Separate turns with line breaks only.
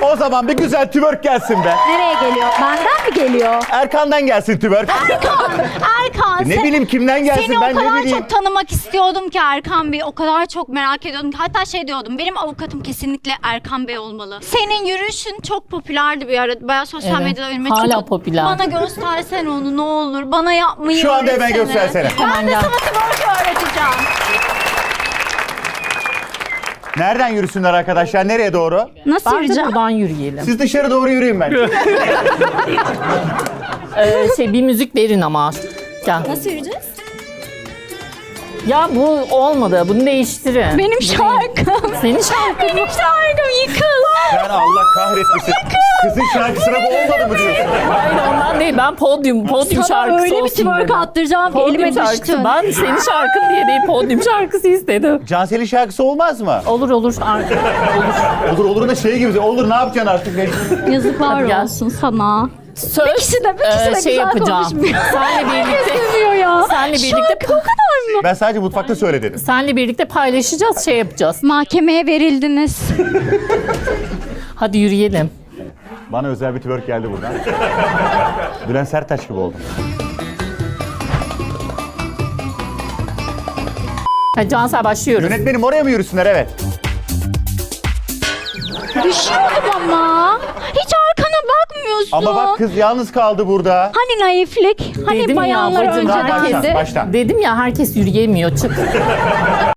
O zaman bir güzel twerk gelsin be.
Nereye geliyor? Benden mi geliyor?
Erkan'dan gelsin twerk.
Erkan
Ne bileyim kimden gelsin
seni
ben
o kadar
ne bileyim.
çok tanımak istiyordum ki Erkan Bey. O kadar çok merak ediyordum ki. Hatta şey diyordum. Benim avukatım kesinlikle Erkan Bey olmalı. Senin yürüyüşün çok popülerdi bir ara. Bayağı sosyal
Evet,
medyada önüme
hala
çıktı.
popüler.
Bana göstersene onu ne olur. Bana yapmayı
Şu anda hemen
öğretsene.
göstersene.
Ben
Hemen
de
gel.
sana twerk öğreteceğim.
Nereden yürüsünler arkadaşlar? Nereye doğru?
Nasıl
Bence
yürüyeceğim?
buradan yürüyelim.
Siz dışarı doğru yürüyün ben.
Bir müzik verin ama. Gel.
Nasıl yürüyeceğiz?
Ya bu olmadı. Bunu değiştirin.
Benim şarkım.
Senin şarkın.
Benim şarkım yıkıl.
Ben Allah kahretmesin. Kızın şarkısına bu olmadı mı diyorsun?
Hayır ondan değil. Ben podyum
Sana
şarkısı
öyle bir
olsun
twerk
dedim.
attıracağım ki
Podyum
elime
şarkısı.
düştü.
Ben senin şarkın diye değil podyum şarkısı istedim.
Cansel'in şarkısı olmaz mı?
Olur. Olur.
Olur da şey gibi. Olur ne yapacaksın artık?
Yazıklar
Hadi gel.
olsun sana.
Söz
Bir kişi de
şey
güzel
yapacağım.
konuşmuyor.
Senle birlikte
Seviyor ya.
Senle birlikte
Şarkı o kadar mı?
Ben sadece mutfakta söyle dedim.
senle birlikte paylaşacağız, şey yapacağız.
Mahkemeye verildiniz.
Hadi yürüyelim.
Bana özel bir twerk geldi buradan. Bülent Serttaş gibi oldum.
Hadi Cansel başlıyoruz.
Yönetmenim oraya mı yürüsünler? Evet.
Düşüyordum ama. Hiç arkana bakmıyorsun.
Ama bak kız yalnız kaldı burada.
Hani naiflik? Hani
Dedim ya,
bayanlar
bacım,
önce
daha
herkesi.
baştan.
Dedim ya herkes yürüyemiyor. Çık.